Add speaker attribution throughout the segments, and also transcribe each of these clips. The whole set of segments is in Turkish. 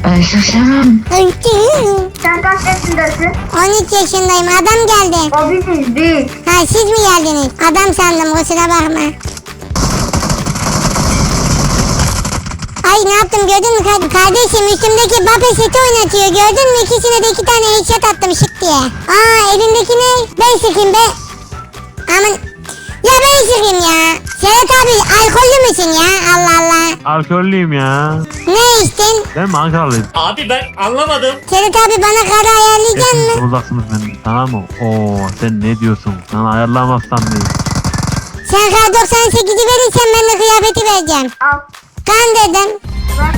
Speaker 1: Şaşırım.
Speaker 2: Sen kaç yaşındasın?
Speaker 3: 13 yaşındayım. Adam geldi.
Speaker 2: O biziz biz.
Speaker 3: Ha siz mi geldiniz? Adam sandım, kusura bakma. Ay ne yaptım gördün mü kardeşim, üstümdeki Mbappe seti oynatıyor, gördün mü? İkisine de 2 tane headshot attım şık diye. Aa elindeki ne? Ben sıkayım be. Aman. Ya ben sıkayım ya. Serhat abi alkollü müsün ya? Allah Allah.
Speaker 4: Alkollüyüm ya.
Speaker 3: Ne içtin?
Speaker 4: Ben mi Ankaralıyım?
Speaker 5: Abi ben anlamadım.
Speaker 3: Serhat abi bana karı ayarlayacaksın
Speaker 4: Hepiniz
Speaker 3: mı?
Speaker 4: uzaksınız benden. Tamam mı? Oo sen ne diyorsun? Sana ayarlamazsam ne?
Speaker 3: Sen kar 98'i verirsen ben de kıyafeti vereceğim.
Speaker 2: Al.
Speaker 3: Kan dedim.
Speaker 2: Bak.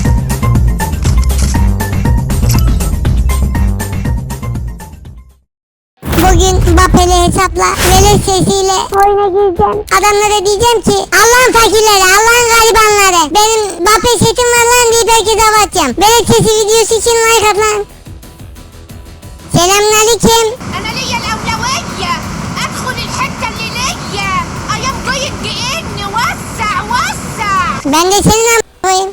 Speaker 3: Bugün Mbappe'li hesapla velet sesiyle oyuna gireceğim. Adamlara diyeceğim ki Allah'ın fakirleri, Allah'ın garibanları, benim Mbappe setim var lan deyip herkese hava atacağım. Velet sesi videosu için like at lan. Selamünaleyküm.
Speaker 6: أنا ليا الأولوية أدخل الحتة اللي ليا أيام ضيق جئني وسع وسع
Speaker 3: Ben de senin a**ayım.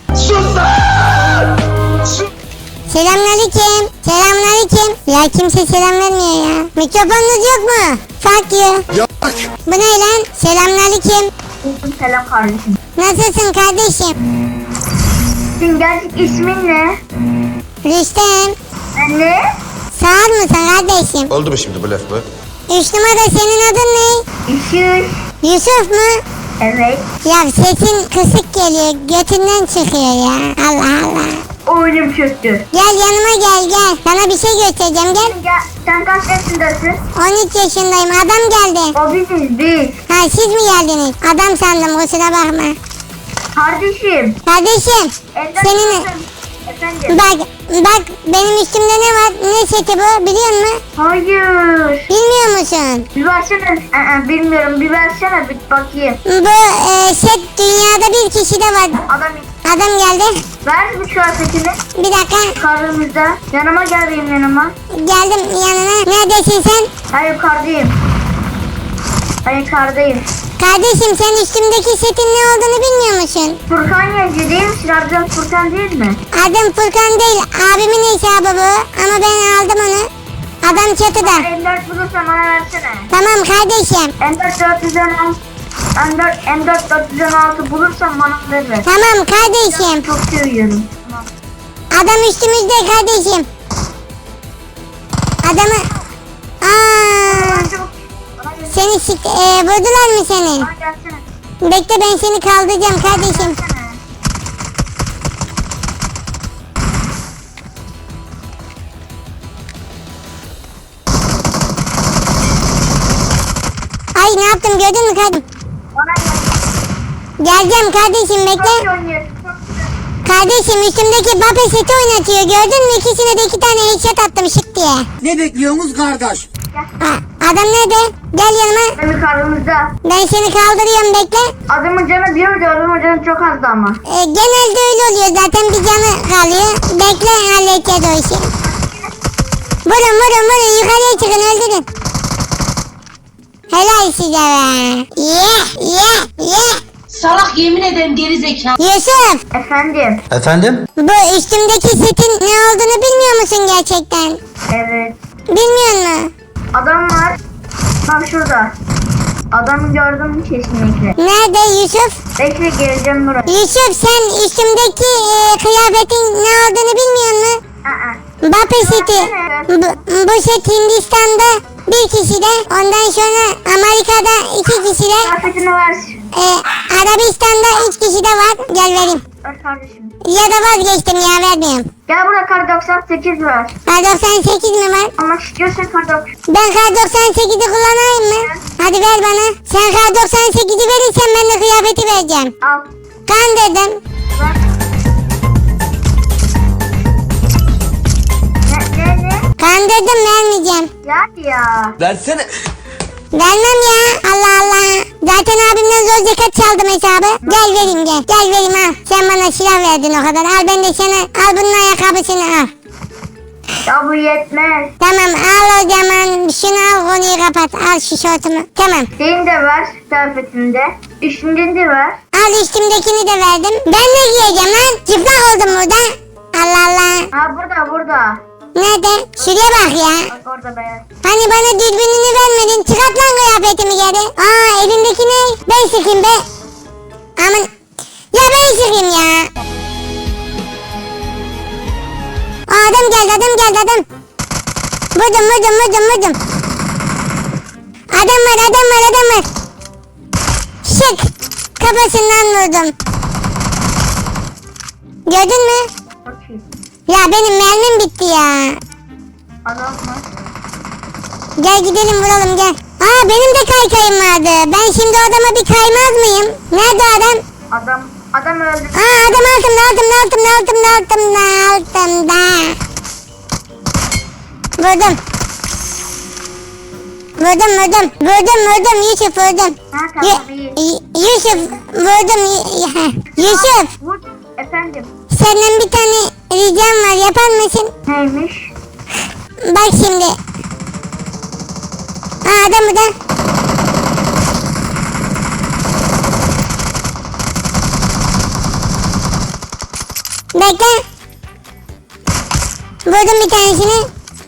Speaker 3: Selamünaleyküm. Selamünaleyküm. Ya kimse selam vermiyor ya. Mikrofonunuz yok mu? Fuck you.
Speaker 7: Yok.
Speaker 3: Bu ne lan? Selamünaleyküm.
Speaker 2: Selam kardeşim.
Speaker 3: Nasılsın kardeşim?
Speaker 2: Senin gerçek ismin ne?
Speaker 3: Rüstem.
Speaker 2: Ne?
Speaker 3: Sağır mısın kardeşim?
Speaker 7: Oldu mu şimdi bu laf bu?
Speaker 3: 3 numara senin adın ne?
Speaker 2: İşin.
Speaker 3: Yusuf mu?
Speaker 2: Evet.
Speaker 3: Ya sesin kısık geliyor. Götünden çıkıyor ya. Allah Allah.
Speaker 2: Oyunum çöktü.
Speaker 3: Gel yanıma gel. Sana bir şey göstereceğim gel.
Speaker 2: Sen kaç yaşındasın?
Speaker 3: 13 yaşındayım. Adam geldi.
Speaker 2: O biziz biz.
Speaker 3: Ha siz mi geldiniz? Adam sandım, kusura bakma.
Speaker 2: Kardeşim.
Speaker 3: Kardeşim
Speaker 2: Evden
Speaker 3: senin...
Speaker 2: çıktım. Efendim.
Speaker 3: Bak benim üstümde ne var? Ne seti bu biliyor musun?
Speaker 2: Hayır.
Speaker 3: Bilmiyor musun?
Speaker 2: Bir versene. Bilmiyorum. Bir versene bir bakayım.
Speaker 3: Bu set dünyada bir kişide var. Adam geldi.
Speaker 2: Ver bu kıyafetini.
Speaker 3: Bir dakika.
Speaker 2: Karnımızda. Yanıma gel benim yanıma.
Speaker 3: Geldim yanına. Neredesin sen?
Speaker 2: Ben yukarıdayım. Ben yukarıdayım.
Speaker 3: Kardeşim sen üstümdeki setin ne olduğunu bilmiyor musun?
Speaker 2: Furkan Yence değil misin? Ardından Furkan değil mi?
Speaker 3: Adım Furkan değil. Abimin hesabı bu. Ama ben aldım onu. Adam çatıda.
Speaker 2: M4 bulursan bana versene.
Speaker 3: Tamam kardeşim.
Speaker 2: M4 416. M4 416 bulursan bana ver.
Speaker 3: Tamam kardeşim.
Speaker 2: Çok seviyorum. Tamam.
Speaker 3: Adam üstümüzde kardeşim. Adamı... Aa,
Speaker 2: Bana çabuk. Bana gel.
Speaker 3: seni vurdular mı seni?
Speaker 2: Bana gelsene.
Speaker 3: Bekle ben seni kaldıracağım kardeşim.
Speaker 2: Gelsene.
Speaker 3: Ay ne yaptım gördün mü kardeşim?
Speaker 2: Bana gel.
Speaker 3: Geleceğim kardeşim
Speaker 2: Çok
Speaker 3: bekle.
Speaker 2: iyi oynuyorsun. Çok güzel.
Speaker 3: Kardeşim üstümdeki Mbappe seti oynatıyor, gördün mü? İkisine de 2 tane headshot attım şık diye.
Speaker 8: Ne bekliyorsunuz kardeş?
Speaker 3: Adam nerede? Gel yanıma.
Speaker 2: Benim karnımızda.
Speaker 3: Ben seni kaldırıyorum bekle.
Speaker 2: Adamın canı diyordu. Adamın canı çok azdı ama.
Speaker 3: Genelde öyle oluyor zaten, bir canı kalıyor. Bekle halledeceğiz o işi. Vurun yukarıya çıkın öldürün. Helal size be. Yeah.
Speaker 1: Salak yemin ederim geri zekalı.
Speaker 3: Yusuf,
Speaker 2: Efendim.
Speaker 7: Efendim?
Speaker 3: bu üstümdeki setin ne olduğunu bilmiyor musun gerçekten?
Speaker 2: Evet.
Speaker 3: Bilmiyor musun?
Speaker 2: Adam var. Bak şurada. Adamı gördün mü kesinlikle.
Speaker 3: Nerede Yusuf?
Speaker 2: Bekle geleceğim buraya.
Speaker 3: Yusuf sen üstümdeki kıyafetin ne olduğunu bilmiyor musun? Mbappe seti. Bu set Hindistan'da bir kişide, ondan sonra Amerika'da 2 kişide,
Speaker 2: Kıyafetini ver.
Speaker 3: Arabistan'da 3 kişide var. Gel vereyim.
Speaker 2: Ver kardeşim.
Speaker 3: Ya da vazgeçtim ya, vermiyorum.
Speaker 2: Gel buraya kar 98 ver.
Speaker 3: Kar 98 mi var?
Speaker 2: Almak istiyorsan kar 98.
Speaker 3: Ben kar 98'i kullanayım mı? Hadi ver bana. Sen kar 98'i verirsen ben de kıyafeti vereceğim.
Speaker 2: Al.
Speaker 3: Kan dedim.
Speaker 2: Ver. Ne?
Speaker 3: Kan dedim, vermeyeceğim.
Speaker 2: Ya.
Speaker 7: Versene.
Speaker 3: Vermem ya. Allah Allah. Zaten abimden zor zekat çaldım hesabı. Gel vereyim gel. Gel vereyim al. Sen bana silah verdin o kadar. Al ben de sana. Al bunun ayakkabısını al.
Speaker 2: Ya bu yetmez.
Speaker 3: Tamam al o zaman. Şunu al, konuyu kapat. Al şu şortumu. Tamam.
Speaker 2: Senin de ver kıyafetini de. Üstünden de ver.
Speaker 3: Al üstümdekini de verdim. Ben ne giyeceğim lan? Çıplak oldum burada. Allah Allah.
Speaker 2: şurada.
Speaker 3: Nerede? Şuraya bak ya.
Speaker 2: Bak orada beyaz.
Speaker 3: Hani bana dürbününü vermedin. Çıkart lan kıyafetimi geri. Aa elindeki ne? Ben sıkayım be. Aman. Ya ben sıkayım ya. Aa, adam geldi. Vurdum. Adam var. Şık. Kafasından vurdum. Gördün mü?
Speaker 2: Çok iyi.
Speaker 3: Ya benim mermim bitti ya.
Speaker 2: Adam mı?
Speaker 3: Gel gidelim vuralım gel. Aa benim de kaykayım vardı. Ben şimdi adama bir kaymaz mıyım? Nerede adam?
Speaker 2: Adam öldü.
Speaker 3: Aa adam altımda. Vurdum Yusuf vurdum.
Speaker 2: Ha tamam iyi.
Speaker 3: Yusuf vurdum. Yusuf
Speaker 2: Vur. Efendim.
Speaker 3: senden bir tane ricam var yapar mısın?
Speaker 2: Neymiş?
Speaker 3: Bak şimdi. Aa adam burada. Bekle. Vurdum bir tanesini.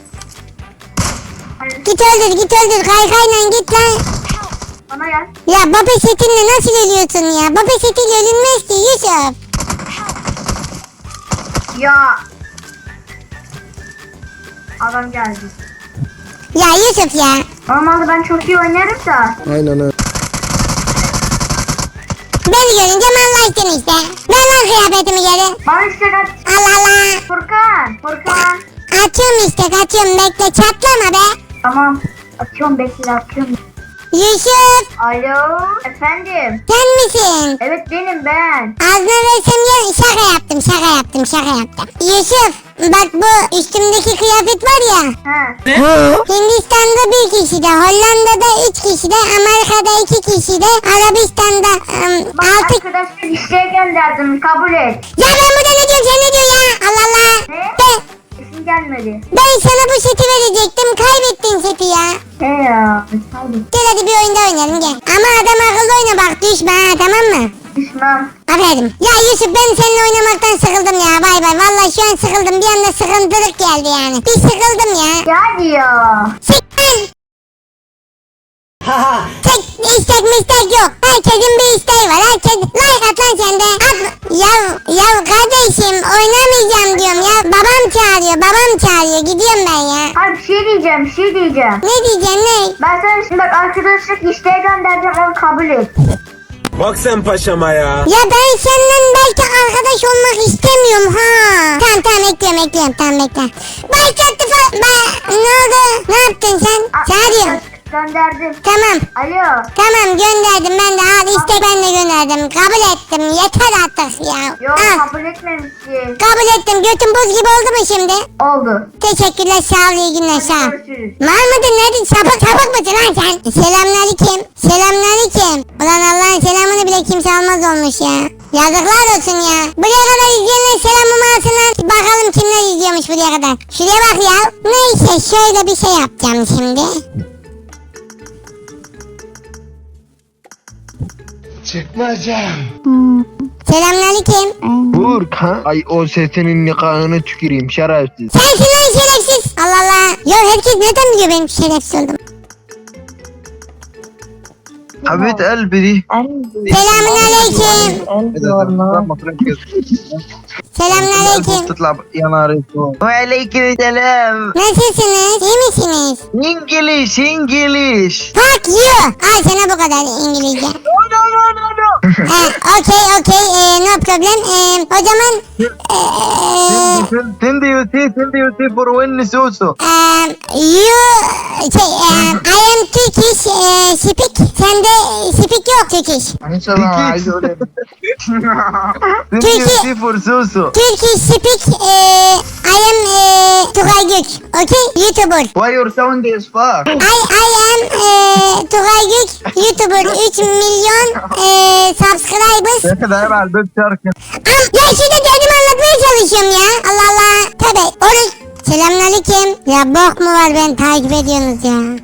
Speaker 3: Git öldür. Kaykayla git lan.
Speaker 2: Bana gel.
Speaker 3: Ya baba setinle nasıl ölüyorsun ya? Baba setiyle ölünmez ki Yusuf.
Speaker 2: Ya. Adam geldi.
Speaker 3: Ya Yusuf ya.
Speaker 2: Normalde ben çok iyi oynarım da.
Speaker 8: Aynen öyle.
Speaker 3: Beni görünce manlaştın işte. Ver lan kıyafetimi geri.
Speaker 2: Bana işte kaç.
Speaker 3: Allah.
Speaker 2: Furkan.
Speaker 3: Kaçıyorum bekle çatlama be.
Speaker 2: Tamam. Atıyorum atıyorum.
Speaker 3: Yusuf
Speaker 2: Alo. Efendim.
Speaker 3: sen misin?
Speaker 2: Evet benim ben.
Speaker 3: Ağzına versem ya şaka yaptım. Yusuf bak bu üstümdeki kıyafet var ya.
Speaker 2: He.
Speaker 3: Hindistan'da bir kişi de, Hollanda'da 3 kişi de, Amerika'da 2 kişi de, Arabistan'da
Speaker 2: Bak
Speaker 3: 6...
Speaker 2: arkadaşlar isteğe gönderdim. Kabul et.
Speaker 3: Ya ben burada ne diyorum sen ne diyorsun ya? Allah Allah.
Speaker 2: Ne? Sesin gelmedi.
Speaker 3: Ben sana bu seti verecektim. Kaybettin seti ya.
Speaker 2: He ya. Hadi.
Speaker 3: Gel hadi bir oyunda oynayalım gel. Ama adam akıllı oyna bak düşme ha tamam mı?
Speaker 2: Düşmem.
Speaker 3: Aferin. Ya Yusuf ben seninle oynamaktan sıkıldım ya. Bay bay. Vallahi şu an sıkıldım. Bir anda sıkıntılık geldi yani. Bir sıkıldım ya.
Speaker 2: Ya hadi ya.
Speaker 3: Sıkın. Tek istek yok. Herkesin bir isteği var. Herkes like at lan sen de. At. Ya kardeşim oynamayacağım diyorum ya. Babam çağırıyor. Gidiyorum ben ya.
Speaker 2: Hayır bir şey diyeceğim.
Speaker 3: Ne diyeceksin ne?
Speaker 2: Ben sana şimdi bak arkadaşlık isteğe göndereceğim onu kabul et.
Speaker 8: Bak sen paşama ya.
Speaker 3: Ya ben seninle belki arkadaş olmak istemiyorum ha. Tamam ekliyorum. Tamam bekle. Başlattı falan. Ne oldu? Ne yaptın sen? Çağırıyorum.
Speaker 2: Gönderdim.
Speaker 3: Tamam.
Speaker 2: Alo.
Speaker 3: Tamam gönderdim ben de al istek ben de gönderdim. Kabul ettim yeter artık ya.
Speaker 2: Yok
Speaker 3: Al.
Speaker 2: kabul etmemişsin.
Speaker 3: Kabul ettim götün buz gibi oldu mu şimdi?
Speaker 2: Oldu.
Speaker 3: Teşekkürler sağ ol iyi günler sağ ol.
Speaker 2: Görüşürüz.
Speaker 3: Var mıdır nedir sapık mısın lan sen? Selamünaleyküm. Ulan Allah'ın selamını bile kimse almaz olmuş ya. Yazıklar olsun ya. Buraya kadar izleyenler selamımı alsınlar. Bakalım kimler izliyormuş buraya kadar. Şuraya bak ya. Neyse şöyle bir şey yapacağım şimdi. Selamünaleyküm.
Speaker 5: Burkan. Ay o sesinin nikahını tüküreyim şerefsiz.
Speaker 3: Sensin lan şerefsiz. Allah Allah. Ya herkes neden biliyor benim şerefsiz oldum?
Speaker 5: Habit elbidi.
Speaker 3: Selamünaleyküm. Selamünaleyküm.
Speaker 5: تطلع يا نهار اسود. وعليكم السلام.
Speaker 3: Nasılsınız? İyi misiniz?
Speaker 5: İngiliz.
Speaker 3: Fuck you. Al sana bu kadar İngilizce. Okay. No problem. O zaman
Speaker 5: Sen de for when susu.
Speaker 3: I am Turkish speak. Sende speak yok Turkish.
Speaker 5: Sen for susu.
Speaker 3: Turkish speak. I am Tugay Gök. Okay? YouTuber.
Speaker 5: Why your sound is far?
Speaker 3: I am Tugay Gök. YouTuber. 3 milyon subscribers.
Speaker 5: Ne kadar var şarkı.
Speaker 3: Ya şurada derdimi anlatmaya çalışıyorum ya. Allah Allah. Tabii. Oruç. Selamünaleyküm. Ya bok mu var beni takip ediyorsunuz ya.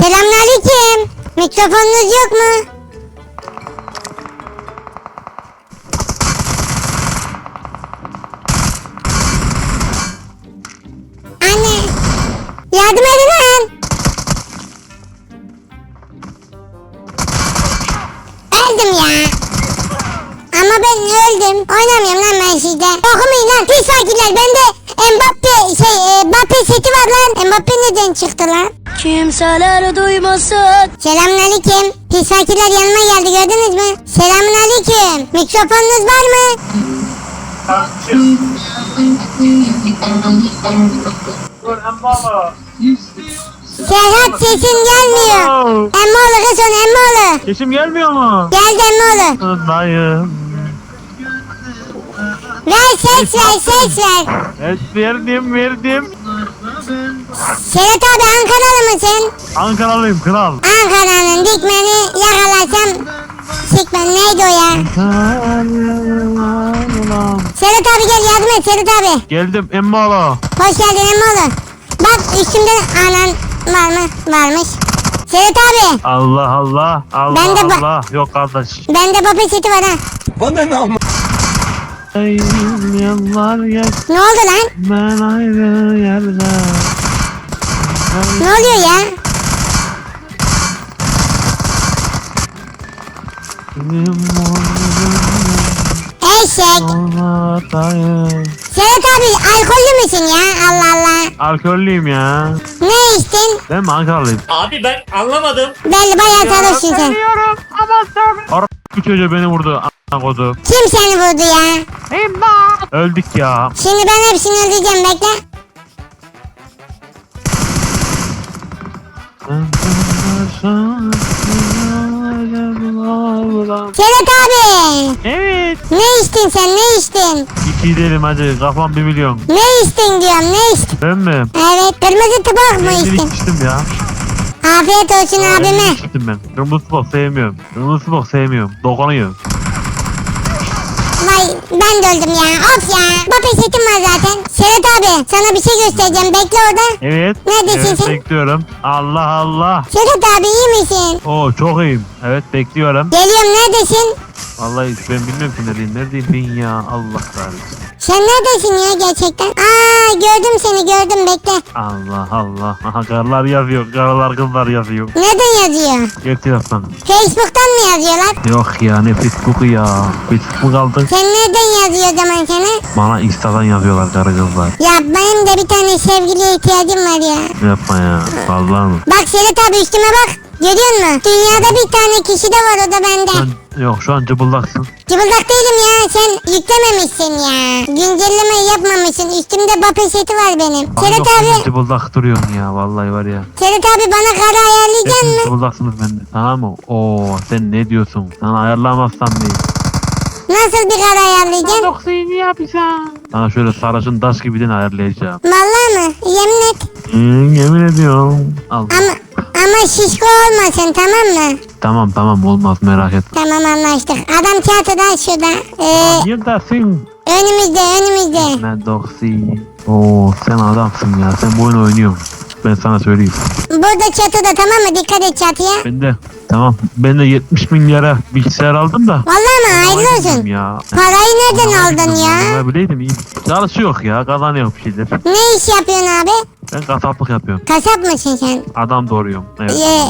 Speaker 3: Selamünaleyküm. Mikrofonunuz yok mu? Anne. Yardım edin lan. Öldüm ya. Ama ben öldüm. Oynamıyorum lan ben sizde. Okumayın lan. Pis fakirler. Bende Mbappe seti var lan. Mbappe neden çıktı lan?
Speaker 7: Kimseler duymasın.
Speaker 3: Selamünaleyküm. Pis fakirler yanıma geldi gördünüz mü? Selamünaleyküm. Mikrofonunuz var mı? Serhat sesin gelmiyor. Emmoğlu kız onu Emmoğlu.
Speaker 4: Sesim gelmiyor mu?
Speaker 3: Geldi Emmoğlu.
Speaker 4: Dayım.
Speaker 3: Ver ses ver.
Speaker 4: Evet verdim.
Speaker 3: Serhat abi Ankaralı mısın?
Speaker 4: Ankaralıyım kral.
Speaker 3: Ankara'nın dikmeni yakalasam sikmen neydi o ya? Serhat abi gel yardım et Serhat abi.
Speaker 4: Geldim Emmoğlu.
Speaker 3: Hoş geldin Emmoğlu. Bak üstümde anan var mı? Varmış. Serhat abi.
Speaker 4: Allah.
Speaker 3: Ben de
Speaker 4: Allah. Yok kardeş.
Speaker 3: Bende Mbappe seti var ha.
Speaker 4: Yıllar geç
Speaker 3: Ne oldu lan?
Speaker 4: ben ayrı yerde.
Speaker 3: Ne oluyor ya? Eşek. Serhat abi alkollü müsün ya? Allah Allah.
Speaker 4: Alkollüyüm ya.
Speaker 3: Ne içtin?
Speaker 4: Ben mi Ankaralıyım?
Speaker 8: Abi ben anlamadım.
Speaker 3: Belli bayağı sarhoşsun sen.
Speaker 4: Bu çocuğu beni vurdu. A**a kodu.
Speaker 3: Kim seni vurdu ya?
Speaker 4: Öldük ya.
Speaker 3: Şimdi ben hepsini öldüreceğim bekle. Serhat abi.
Speaker 4: Evet.
Speaker 3: Ne içtin sen ne içtin?
Speaker 4: İki derim hadi kafam 1 milyon.
Speaker 3: Ne içtin diyorum ne içtin?
Speaker 4: Ben mi?
Speaker 3: Evet kırmızı tabak mı
Speaker 4: Benzin
Speaker 3: içtin?
Speaker 4: içtim ya.
Speaker 3: Afiyet olsun abime.
Speaker 4: Benzin içtim ben. Kırmızı bok sevmiyorum. Kırmızı bok sevmiyorum. Dokunuyor.
Speaker 3: Vay ben de öldüm ya. Of ya. Mbappe setim var zaten. Serhat abi sana bir şey göstereceğim. Bekle orada.
Speaker 4: Evet.
Speaker 3: Neredesin
Speaker 4: Evet
Speaker 3: sen?
Speaker 4: bekliyorum. Allah.
Speaker 3: Serhat abi iyi misin?
Speaker 4: Oo çok iyiyim. Evet bekliyorum.
Speaker 3: Geliyorum neredesin?
Speaker 4: Vallahi ben bilmiyorum ki neredeyim. Neredeyim ben ya. Allah kahretsin.
Speaker 3: Sen neredesin ya gerçekten? Aa gördüm seni gördüm bekle.
Speaker 4: Allah. Aha karılar yazıyor. Karılar kızlar yazıyor.
Speaker 3: Nereden yazıyor?
Speaker 4: Gel taraftan.
Speaker 3: Facebook'tan mı yazıyorlar?
Speaker 4: Yok ya ne Facebook'u ya. Facebook aldık.
Speaker 3: Sen nereden yazıyor o zaman sana?
Speaker 4: Bana Insta'dan yazıyorlar karı kızlar.
Speaker 3: Ya benim de bir tane sevgiliye ihtiyacım var ya.
Speaker 4: Yapma ya. Vallahi mı?
Speaker 3: Bak Serhat abi üstüme bak. Görüyor musun? Dünyada bir tane kişi de var o da bende.
Speaker 4: Yok şu an cıbıldaksın.
Speaker 3: Cıbıldak değilim ya sen yüklememişsin ya. Güncellemeyi yapmamışsın. Üstümde Mbappe seti var benim. Serhat
Speaker 4: Yok,
Speaker 3: abi.
Speaker 4: cıbıldak duruyorsun ya vallahi var ya.
Speaker 3: Serhat abi bana kara ayarlayacaksın
Speaker 4: Hepiniz
Speaker 3: mı?
Speaker 4: cıbıldaksınız bende. Tamam mı? Oo sen ne diyorsun? Sana ayarlamazsam değil.
Speaker 3: Nasıl bir kara ayarlayacaksın?
Speaker 4: Sana şöyle sarışın taş gibiden ayarlayacağım.
Speaker 3: Vallahi mı? Yemin et.
Speaker 4: Yemin ediyorum. Al.
Speaker 3: Ama şişko olmasın tamam mı?
Speaker 4: Tamam olmaz merak etme.
Speaker 3: Tamam anlaştık. Adam çatıda şurada.
Speaker 4: Neredesin?
Speaker 3: Önümüzde.
Speaker 4: Ne doksi. Oo sen adamsın ya. Sen bu oyunu oynuyorsun. Ben sana söyleyeyim.
Speaker 3: Burada çatıda tamam mı? Dikkat et çatıya.
Speaker 4: Ben de 70 milyara bilgisayar aldım da.
Speaker 3: Vallahi mi? Hayırlı olsun.
Speaker 4: Ya.
Speaker 3: Parayı nereden aldın ya?
Speaker 4: Ne bileydim iyi. Çalışı yok ya kazanıyor bir şeyler.
Speaker 3: Ne iş yapıyorsun abi?
Speaker 4: Ben kasaplık yapıyorum.
Speaker 3: Kasap mısın sen?
Speaker 4: Adam doğuruyorum. Evet.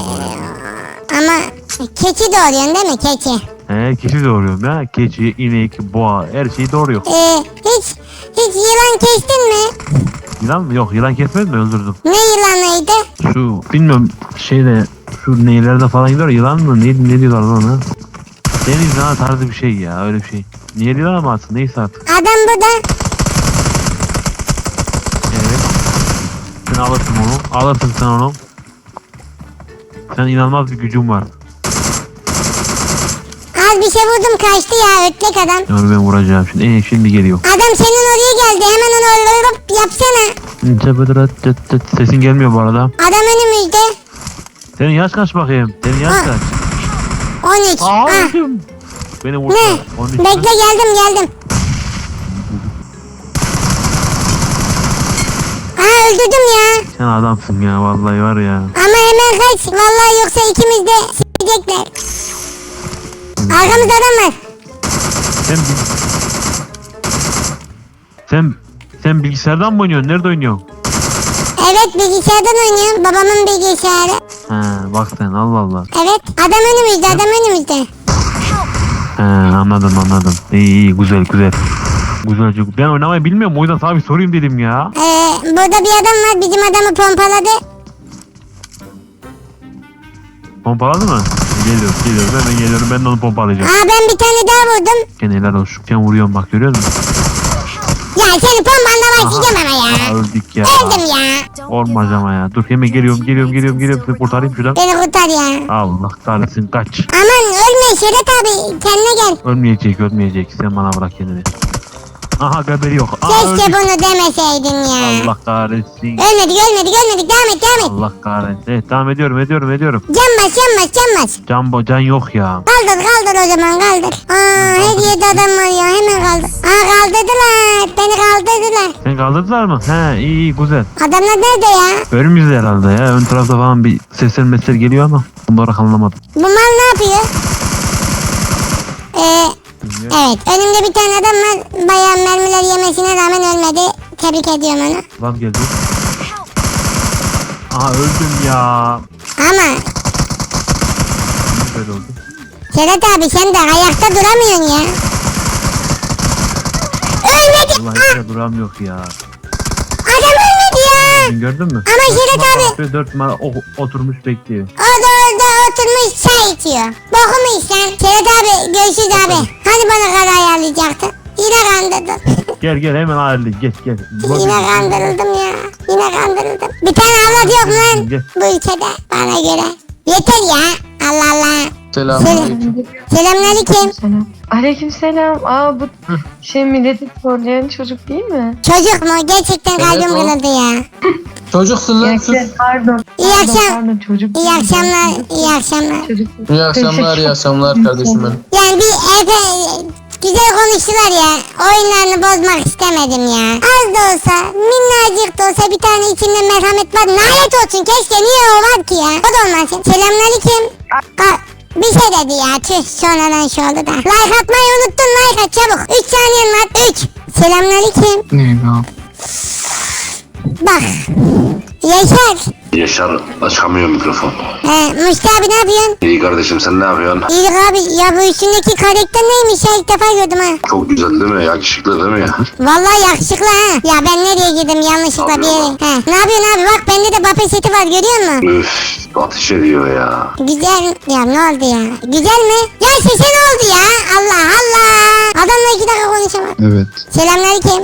Speaker 3: Ama keçi doğuruyorsun değil mi? Keçi.
Speaker 4: Keçi doğuruyorum ya. Keçi, inek, boğa her şeyi doğuruyor.
Speaker 3: Hiç yılan kestin mi?
Speaker 4: Yılan mı? Yok yılan kesmedim mi öldürdüm.
Speaker 3: Ne yılanıydı?
Speaker 4: Şu bilmiyorum şu neylerde falan gidiyor yılan mı? Ne diyorlar ona? Deniz yılanı tarzı bir şey ya öyle bir şey. Niye yılan ama aslında neyse artık.
Speaker 3: Adam burada.
Speaker 4: Evet. Sen alırsın onu. Alırsın sen onu. Sen inanılmaz bir gücün var.
Speaker 3: Az bir şey vurdum kaçtı ya ötlek adam.
Speaker 4: Onu ben vuracağım şimdi. Şimdi geliyor.
Speaker 3: Adam senin oraya geldi hemen onu yapsana.
Speaker 4: Sesin gelmiyor bu arada.
Speaker 3: Adam önümüzde.
Speaker 4: Senin yaş kaç bakayım? Senin yaş kaç?
Speaker 3: 13. Ah.
Speaker 4: Beni vurdu.
Speaker 3: Ne?
Speaker 4: 13
Speaker 3: Bekle geldim. Öldürdüm ya.
Speaker 4: Sen adamsın ya vallahi var ya.
Speaker 3: Ama hemen kaç. Vallahi yoksa ikimiz de s**ecekler. Arkamızda adam var.
Speaker 4: Sen bilgisayardan mı oynuyorsun? Nerede oynuyorsun?
Speaker 3: Evet bilgisayardan oynuyorum. Babamın bilgisayarı.
Speaker 4: Ha bak sen Allah Allah.
Speaker 3: Evet adam önümüzde.
Speaker 4: He anladım. İyi güzel. Güzel çocuk. Ben oynamayı bilmiyorum o yüzden sana bir sorayım dedim ya.
Speaker 3: Burada bir adam var bizim adamı pompaladı.
Speaker 4: Pompaladı mı? Geliyorum hemen geliyorum ben de onu pompalayacağım.
Speaker 3: Ben bir tane daha vurdum.
Speaker 4: Gene helal olsun. Vuruyorum bak görüyor musun?
Speaker 3: Ya seni pompanla başlayacağım ama ya.
Speaker 4: Öldük ya.
Speaker 3: Öldüm ya.
Speaker 4: Olmaz ama ya. Dur hemen geliyorum. Seni kurtarayım şuradan.
Speaker 3: Beni kurtar ya.
Speaker 4: Allah kahretsin kaç.
Speaker 3: Aman ölme Şerat abi kendine gel.
Speaker 4: Ölmeyecek. Sen bana bırak kendini. Aha haberi yok.
Speaker 3: Keşke
Speaker 4: öldük.
Speaker 3: bunu demeseydin ya.
Speaker 4: Allah kahretsin.
Speaker 3: Ölmedik. Devam et.
Speaker 4: Allah kahretsin. Evet devam ediyorum.
Speaker 3: Can bas.
Speaker 4: Can yok ya.
Speaker 3: Kaldır o zaman kaldır. Her yerde adam var ya hemen kaldır. Kaldırdılar. Beni kaldırdılar.
Speaker 4: Seni kaldırdılar mı? He iyi güzel.
Speaker 3: Adamlar nerede ya?
Speaker 4: Önümüzde herhalde ya. Ön tarafta falan bir sesler geliyor ama bunları anlamadım.
Speaker 3: Bu mal ne yapıyor? Evet önümde bir tane adam var. Bayağı mermiler yemesine rağmen ölmedi. Tebrik ediyorum onu.
Speaker 4: Lan geldi. Aha öldüm ya.
Speaker 3: Ama
Speaker 4: Böyle oldu.
Speaker 3: Şerat abi sen de ayakta duramıyorsun ya. Ölmedi.
Speaker 4: Vallahi hiç duram yok ya.
Speaker 3: Adam ölmedi ya.
Speaker 4: Sen gördün mü?
Speaker 3: Ama Şerat abi.
Speaker 4: 4 numara oturmuş bekliyor.
Speaker 3: O da orada oturmuş çay içiyor. Bokumu içsen. Şerat abi görüşürüz abi. Hani bana kara ayarlayacaktın? Yine kandırdın.
Speaker 4: Gel hemen ayarlayın gel.
Speaker 3: Yine kandırıldım ya. Bir tane avlat yok mu lan
Speaker 4: Gel.
Speaker 3: bu ülkede bana göre. Yeter ya. Allah Allah.
Speaker 9: Selamünaleyküm.
Speaker 3: Selamünaleyküm.
Speaker 9: Aleykümselam. Bu milleti zorlayan çocuk değil mi?
Speaker 3: Çocuk mu? Gerçekten kalbim
Speaker 9: Evet, o.
Speaker 3: kırıldı ya.
Speaker 9: Çocuksun lan sus.
Speaker 2: Pardon.
Speaker 3: Pardon,
Speaker 2: çocuk.
Speaker 3: İyi akşamlar.
Speaker 2: Çocuk.
Speaker 9: İyi akşamlar kardeşim benim.
Speaker 3: Yani güzel konuştular ya. Oyunlarını bozmak istemedim ya. Az da olsa, minnacık da olsa bir tane içinde merhamet var. Lanet olsun keşke niye o var ki ya? O da olmasın. Selamünaleyküm. Bir şey dedi ya. Tüh sonradan şey oldu da. Like atmayı unuttun like at çabuk. 3 saniyen var. 3. Selamünaleyküm.
Speaker 9: Ne bu?
Speaker 3: Bak. Yaşar.
Speaker 10: Yaşar açamıyor mikrofon.
Speaker 3: Mustafa abi ne yapıyorsun?
Speaker 10: İyi kardeşim sen ne yapıyorsun?
Speaker 3: İyilik abi ya bu üstündeki karakter neymiş ya ilk defa gördüm ha.
Speaker 10: Çok güzel değil mi? Yakışıklı değil mi ya?
Speaker 3: Vallahi yakışıklı ha. Ya ben nereye girdim yanlışlıkla bir yere. Ne yapıyorsun abi bak bende de bape seti var görüyor musun?
Speaker 10: Üf ateş ediyor ya.
Speaker 3: Güzel ya ne oldu ya? Güzel mi? Ya sese ne oldu ya? Allah Allah. Adamla 2 dakika konuşamam.
Speaker 9: Evet.
Speaker 3: Selamünaleyküm.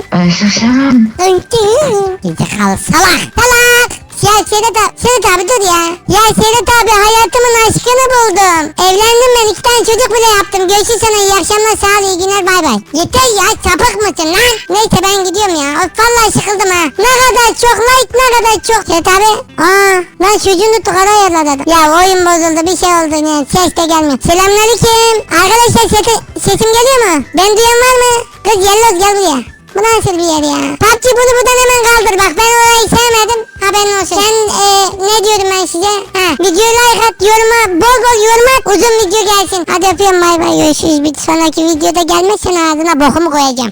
Speaker 3: Gerizekalı salak. Ya Sedat abi dur ya. Ya Sedat abi hayatımın aşkını buldum. Evlendim ben 2 tane çocuk bile yaptım. Görüşürüz sana iyi akşamlar sağ ol iyi günler bay bay. Yeter ya sapık mısın lan? Neyse ben gidiyorum ya. Of vallahi sıkıldım ha. Ne kadar çok like ne kadar çok. Sedat abi. Lan çocuğunu tukara ayarladı. Ya oyun bozuldu bir şey oldu yani ses de gelmiyor. Selamünaleyküm. Arkadaşlar sesim geliyor mu? Ben duyan var mı? Kız Yelloz gel buraya. Bu nasıl bir yer ya? PUBG bunu buradan hemen kaldır bak ben orayı sevmedim. Haberin olsun. Sen ne diyorum ben size? Videoyu like at bol yorum at uzun video gelsin. Hadi öpüyorum bay bay görüşürüz. Bir sonraki videoda gelmezsen ağzına bokumu koyacağım.